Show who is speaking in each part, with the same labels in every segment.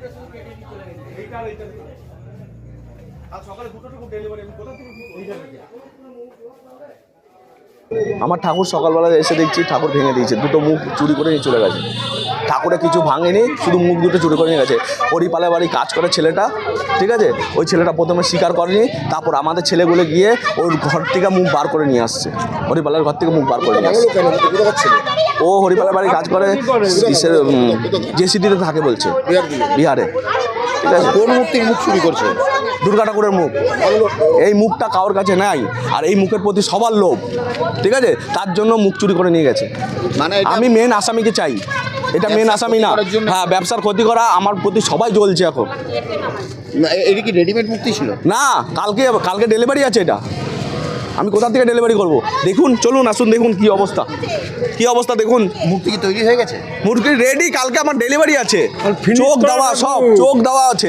Speaker 1: আমার ঠাকুর সকালবেলা এসে দেখছি ঠাকুর ভেঙে দিয়েছে, দুটো মুখ চুরি করে নিয়ে চলে গেছে। ঠাকুরে কিছু ভাঙেনি, শুধু মুখ দুটো চুরি করে নিয়ে গেছে। হরিপালের বাড়ি কাজ করে ছেলেটা, ঠিক আছে, ওই ছেলেটা প্রথমে স্বীকার করেনি, তারপর আমাদের ছেলেগুলো গিয়ে ওর ঘর থেকে মুখ বার করে নিয়ে আসছে, হরিপালের ঘর থেকে মুখ বার করে নিয়ে আসছে। ও হরিপালের বাড়ি কাজ করে, জেসিডিতে থাকে বলছে, বিহারে। ঠিক আছে,
Speaker 2: কোন মূর্তির মুখ চুরি করছে?
Speaker 1: দুর্গা ঠাকুরের মুখ। এই মুখটা কারোর কাছে নাই, আর এই মুখের প্রতি সবার লোভ, ঠিক আছে, তার জন্য মুখ চুরি করে নিয়ে গেছে।
Speaker 2: মানে
Speaker 1: আমি মেন আসামিকে চাই, এটা মেন আসামি না। হ্যাঁ, ব্যবসার ক্ষতি করা আমার প্রতি সবাই জ্বলছে এখন।
Speaker 2: এটা কি রেডিমেড মূর্তি ছিল?
Speaker 1: না, কালকে ডেলিভারি আছে। এটা আমি কোথা থেকে ডেলিভারি করব? দেখুন, চলুন আসুন, দেখুন কি অবস্থা, কি অবস্থা দেখুন।
Speaker 2: মূর্তি কি তৈরি হয়ে গেছে?
Speaker 1: মূর্তি রেডি, কালকে আমার ডেলিভারি আছে, চোখ দেওয়া, সব চোখ দেওয়া আছে।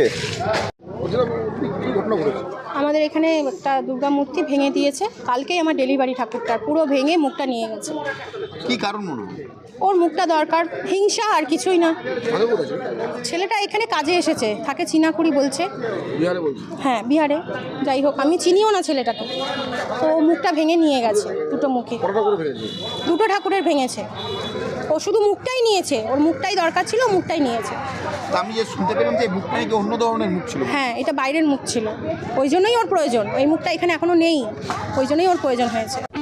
Speaker 3: আমাদের এখানে একটা দুর্গা মূর্তি ভেঙে দিয়েছে, কালকেই আমার ডেলিভারি ঠাকুরটার পুরো ভেঙে মুখটা নিয়ে গেছে।
Speaker 2: কি কারণ মনে হয়?
Speaker 3: ওর মুখটা দরকার, হিংসা আর কিছুই না। ছেলেটা এখানে কাজে এসেছে, থাকে চিনাকুড়ি বলছে। হ্যাঁ, বিহারে। যাই হোক, আমি চিনিও না ছেলেটাকে। তো ও মুখটা ভেঙে নিয়ে গেছে, দুটো মুখে। দুটো ঠাকুরের ভেঙেছে। ও শুধু মুখটাই নিয়েছে, ওর মুখটাই দরকার ছিল, মুখটাই নিয়েছে।
Speaker 2: আমি যে শুনতে পেলাম যে মুখটা নাকি অন্য ধরনের মুখ ছিল।
Speaker 3: হ্যাঁ, এটা বাইরের মুখ ছিল, ওই জন্যই ওর প্রয়োজন। এই মুখটা এখানে এখনো নেই, ওই জন্যই ওর প্রয়োজন হয়েছে।